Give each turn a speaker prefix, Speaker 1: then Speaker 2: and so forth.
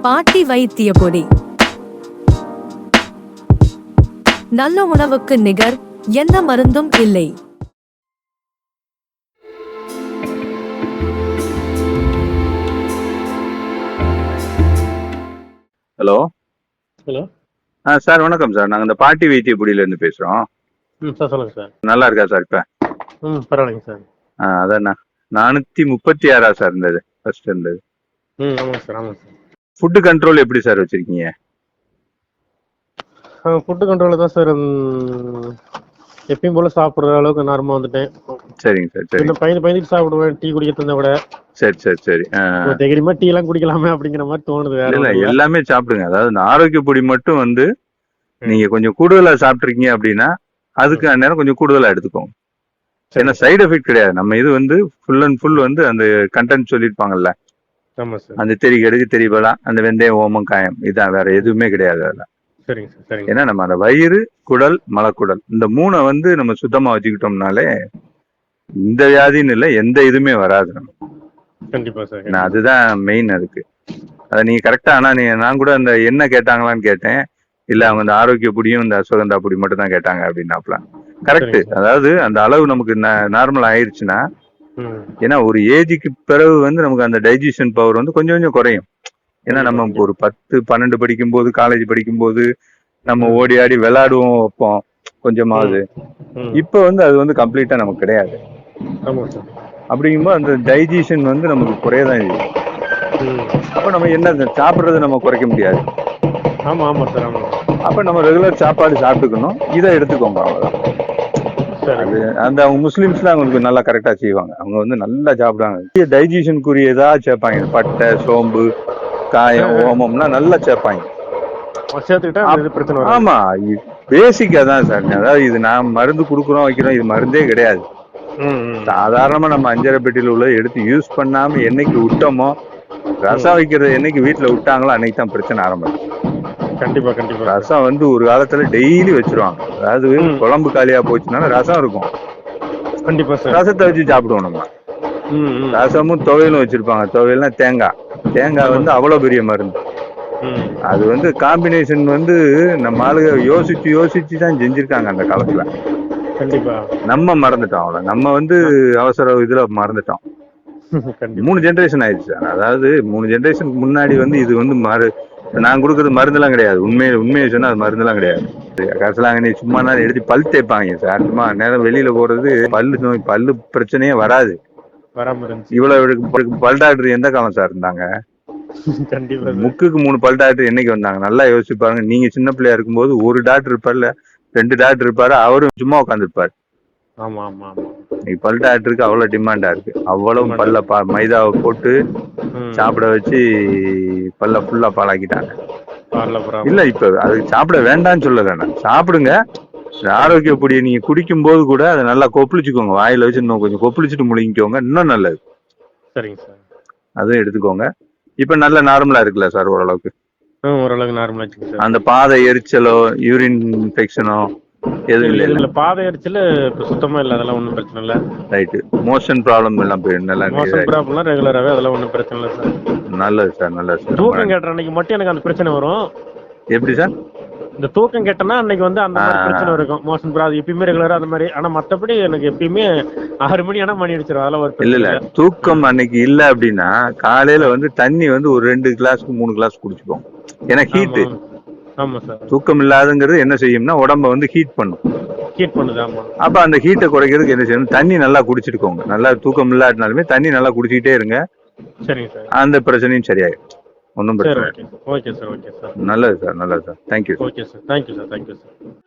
Speaker 1: பாட்டி வைத்திய பொடி. நல்ல உணவுக்கு நிகர் எந்த மருந்தும் இல்லை.
Speaker 2: ஹலோ.
Speaker 3: ஹலோ.
Speaker 2: சார் வணக்கம் சார். நாங்கள் இந்த பாட்டி வைத்திய பொடியிலேருந்து பேசுகிறோம்.
Speaker 3: சார் சொல்லுங்க சார்.
Speaker 2: நல்லா இருக்கா சார் இப்போ?
Speaker 3: பரவாயில்லைங்க சார்.
Speaker 2: அதான் 436 சார் இருந்தது ஃபர்ஸ்ட் இருந்தது.
Speaker 3: ஆமாங்க சார், ஆமாங்க சார்.
Speaker 2: ஃபுட்டு கண்ட்ரோல் எப்படி சார் வச்சுருக்கீங்க?
Speaker 3: ஃபுட்டு கண்ட்ரோலில் தான் சார். எப்பயும் போல் சாப்பிட்ற அளவுக்கு நார்மலாக வந்துட்டேன்.
Speaker 2: சரிங்க சார். சரி.
Speaker 3: பயந்துட்டு சாப்பிடுவேன் டீ குடிக்கிறது இருந்தால் கூட.
Speaker 2: சரி சரி சரி.
Speaker 3: தைரியமா டீ எல்லாம் குடிக்கலாமே அப்படிங்கிற மாதிரி தோணுது.
Speaker 2: இல்லை எல்லாமே சாப்பிடுங்க. அதாவது இந்த ஆரோக்கிய பொடி மட்டும் வந்து நீங்கள் கொஞ்சம் கூடுதலாக சாப்பிட்ருக்கீங்க அப்படின்னா அதுக்கு அந்நேரம் கொஞ்சம் கூடுதலாக எடுத்துக்கோங்க. ஏன்னா சைடு எஃபெக்ட் கிடையாது. நம்ம இது வந்து ஃபுல் அண்ட் ஃபுல் வந்து அந்த கண்டென்ட் சொல்லியிருப்பாங்கல்ல, அந்த தெரி கடுகு தெரியபலாம், அந்த வெந்தயம் ஓமம் காயம், இதான், வேற எதுவுமே கிடையாது அதில்.
Speaker 3: சரிங்க சார், சரிங்க.
Speaker 2: ஏன்னா நம்ம அந்த வயிறு, குடல், மலக்குடல் இந்த 3 வந்து நம்ம சுத்தமா வச்சுக்கிட்டோம்னாலே இந்த வியாதின்னு இல்லை, எந்த இதுவுமே வராது.
Speaker 3: கண்டிப்பா சார்.
Speaker 2: அதுதான் மெயின். அதுக்கு அதை நீங்க கரெக்டா. ஆனா நான் கூட அந்த என்ன கேட்டாங்களான்னு கேட்டேன். இல்ல அவங்க அந்த ஆரோக்கிய பொடியும் இந்த அஸ்வகந்தா பொடி மட்டும் தான் கேட்டாங்க அப்படின்னாப்ல. கரெக்ட். அதாவது அந்த அளவு நமக்கு நார்மல் ஆயிடுச்சுன்னா, ஏன்னா ஒரு ஏஜுக்கு பிறகு வந்து நமக்கு அந்த டைஜஷன் பவர் வந்து கொஞ்சம் கொஞ்சம் குறையும். ஏன்னா நம்ம ஒரு 10, 12 படிக்கும்போது, காலேஜ் படிக்கும்போது நம்ம ஓடி ஆடி விளையாடுவோம் வைப்போம் கொஞ்சமாவது. இப்ப வந்து அது வந்து கம்ப்ளீட்டா நமக்கு கிடையாது. அப்படிங்கும்போது அந்த டைஜஷன் வந்து நமக்கு குறையதான் செய்யும். அப்ப நம்ம என்ன சாப்பிட்றது நம்ம குறைக்க முடியாது.
Speaker 3: ஆமா ஆமா சார், ஆமா.
Speaker 2: அப்ப நம்ம ரெகுலர் சாப்பாடு சாப்பிட்டுக்கணும். இதை எடுத்துக்கோங்க, அவ்வளவுதான். அது அந்த அவங்க முஸ்லிம்ஸ்லாம் அவங்களுக்கு நல்லா கரெக்டா செய்வாங்க. அவங்க வந்து நல்லா சாப்பிடுவாங்க. டைஜஷனுக்குரிய ஏதாவது சேர்ப்பாங்க. பட்டை, சோம்பு, காயம், ஓமம்லாம் நல்லா சேர்ப்பாங்க. ஆமா, பேசிக்கா தான் சார். அதாவது இது நான் மருந்து கொடுக்குறோம் வைக்கிறோம், இது மருந்தே கிடையாது. சாதாரணமா நம்ம அஞ்சரை பெட்டியில உள்ள எடுத்து யூஸ் பண்ணாம என்னைக்கு விட்டோமோ, ரசம் வைக்கிறது என்னைக்கு வீட்டுல விட்டாங்களோ அன்னைக்கு தான் பிரச்சனை ஆரம்பிச்சு.
Speaker 3: கண்டிப்பா கண்டிப்பா.
Speaker 2: ரசம் வந்து ஒரு காலத்துல டெய்லி வச்சிருவாங்க. அதாவது குழம்பு காலியா போச்சுனால ரசம் இருக்கும்.
Speaker 3: கண்டிப்பா சார்.
Speaker 2: ரசத்தை வச்சு சாப்பிடுவோம் நம்ம. ரசமும் துவையலும் வச்சிருப்பாங்க. துவையல்னா தேங்காய் வந்து அவ்வளவு பெரிய மருந்து. அது வந்து காம்பினேஷன் வந்து நம்ம ஆளுங்க யோசிச்சு தான் செஞ்சிருக்காங்க அந்த காலத்துல.
Speaker 3: கண்டிப்பா. நம்ம
Speaker 2: மறந்துட்டோம். அவ்வளவு நம்ம வந்து அவசர இதுல மறந்துட்டோம். 3 ஜெனரேஷன் ஆயிடுச்சு. அதாவது 3 ஜெனரேஷனுக்கு முன்னாடி வந்து இது வந்து நான் கொடுக்கறது மருந்துலாம் கிடையாது. உண்மையை சொன்னா அது மருந்துலாம் கிடையாது. கரசலாங்கண்ணி சும்மா நேரம் எடுத்து பல் தேய்ப்பாங்க சார். சும்மா நேரம் வெளியில போறது பல்லு நோய், பல்லு பிரச்சனையே வராது. இவ்வளவு பல் டாக்டர் எந்த காலம் சார் இருந்தாங்க? முக்குக்கு 3 பல் டாக்டர் என்னைக்கு வந்தாங்க? நல்லா யோசிச்சு பாருங்க. நீங்க சின்ன பிள்ளையா இருக்கும்போது ஒரு டாக்டர் இருப்பார்ல, 2 டாக்டர் இருப்பாரு. அவரும் சும்மா உட்காந்துருப்பாரு.
Speaker 3: ஆமா ஆமா ஆமா.
Speaker 2: இன்னைக்கு பல் டாக்டருக்கு அவ்வளவு டிமாண்டா இருக்கு. அவ்வளவு பல்ல மைதாவை போட்டு சாப்பிட வச்சு பல்ல ஃபுல்லா பாலாக்கிட்டாங்க. இல்ல இப்ப அது சாப்பிட வேண்டாம்னு சொல்ல வேண்டாம், சாப்பிடுங்க. ஆரோக்கிய பொடியை நீங்க குடிக்கும் போது கூட அதை நல்லா கொப்பளிச்சுக்கோங்க. வாயில வச்சு இன்னும் கொஞ்சம் கொப்பளிச்சுட்டு முழுங்கிக்கோங்க, இன்னும் நல்லது.
Speaker 3: சரிங்க சார்.
Speaker 2: அதுவும் எடுத்துக்கோங்க. இப்ப நல்ல நார்மலா இருக்குல்ல சார்? ஓரளவுக்கு
Speaker 3: ஓரளவுக்கு நார்மலா. அந்த
Speaker 2: பாதை எரிச்சலோ யூரின் இன்ஃபெக்ஷனோ எதுவும் இல்ல?
Speaker 3: பாதை எரிச்சல் சுத்தமா இல்ல, அதெல்லாம் ஒன்றும் பிரச்சனை இல்லை.
Speaker 2: ரைட்டு. மோஷன் ப்ராப்ளம் எல்லாம் போயிடும். நல்லா
Speaker 3: மோஷன் ப்ராப்ளம்லாம் ரெகுலராகவே, அதெல்லாம் ஒன்றும் பிரச்சனை இல்லை சார்.
Speaker 2: நல்லது சார், நல்லது சார்.
Speaker 3: தூக்கம் கேட்ட அன்னைக்கு மட்டும் எனக்கு அந்த பிரச்சனை வரும்.
Speaker 2: எப்படி சார்?
Speaker 3: இந்த தூக்கம் கேட்டனா அன்னைக்கு வந்து அந்த மாதிரி பிரச்சனை இருக்கும். மோஷன் ப்ராப்ளம் எப்பயுமே ரெகுலரா அந்த மாதிரி. ஆனா மற்றபடி எனக்கு எப்பயுமே 6 மணி ஆனா மணி அடிச்சிடும். அதெல்லாம் ஒரு
Speaker 2: இல்ல தூக்கம் அன்னைக்கு இல்ல அப்படின்னா காலையில வந்து தண்ணி வந்து ஒரு 2 கிளாஸ்க்கு 3 கிளாஸ் குடிச்சுப்போம். ஏன்னா ஹீட்.
Speaker 3: ஆமா சார்.
Speaker 2: தூக்கம் இல்லாதங்கிறது என்ன செய்யும்னா உடம்ப வந்து ஹீட் பண்ணுது.
Speaker 3: ஆமா.
Speaker 2: அப்ப அந்த ஹீட்டை குறைக்கிறதுக்கு என்ன செய்யணும்? தண்ணி நல்லா குடிச்சிட்டுக்கோங்க. நல்லா தூக்கம் இல்லாட்டினாலுமே தண்ணி நல்லா குடிச்சிக்கிட்டே இருங்க.
Speaker 3: சரிங்க சார்.
Speaker 2: அந்த பிரச்சனையும் சரியாயிடும். ஒன்றும் பிரச்சனை.
Speaker 3: Okay sir, okay sir.
Speaker 2: நல்லது சார், நல்லது sir. Thank you.
Speaker 3: Okay sir, thank you sir.